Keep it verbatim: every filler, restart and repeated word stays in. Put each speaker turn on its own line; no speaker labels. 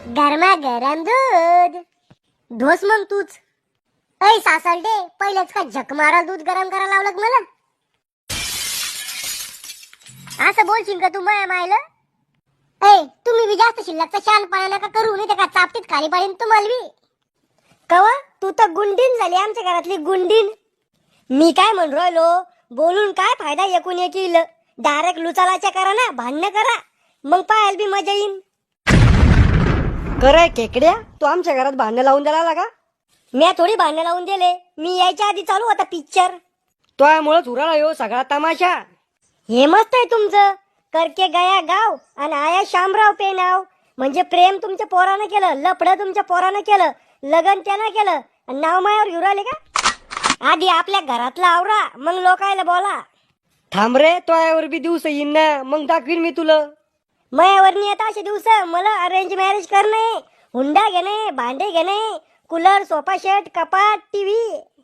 गरमा गरम दूध धोस मग तूच. ऐ सासलडे, पहिलेच का झक मारा दूध गरम करायला लावलं का मला? असं बोलशील का तू माया मायला? ऐ तुम्ही बी जास्त शिल्लकचा शानपणा नका करू, नाही तर का चापटीत खाली पडेन तुम्हाला बी. कवा तू तर गुंडीन झाली आमच्या घरातली गुंडीन. मी काय म्हण राहिलो, बोलून काय फायदा एकूण एक येईल. डायरेक्ट लुचालाच्या करा ना, भांडणं करा, मग पाहायला बी मजा येईन.
कराय खेकड्या, तू आमच्या घरात भांडण लावून द्यायला का?
मी थोडी भांडणं लावून दिले, मी यायच्या आधी चालू होता पिक्चर.
त्यामुळेच उराला येऊ सगळा तमाशा.
हे मस्त आहे तुमचं, करके गया गाव आणि आया शामराव पे नाव. म्हणजे प्रेम तुमच्या पोरानं केलं, लपडं तुमच्या पोरानं केलं, लगन त्यानं केलं, आणि नाव मायावर घेऊन आले का? आधी आपल्या घरातला आवरा, मग लोकायला बोला.
थांब रे, तोयावर बी दिवस येईन ना, मग दाखवीन मी तुला.
मायावर नाही येत असे दिवस. मला अरेंज मॅरेज करणे, हुंडा घेणे, भांडे घेणे, कूलर, सोफा सेट, कपाट, टीव्ही.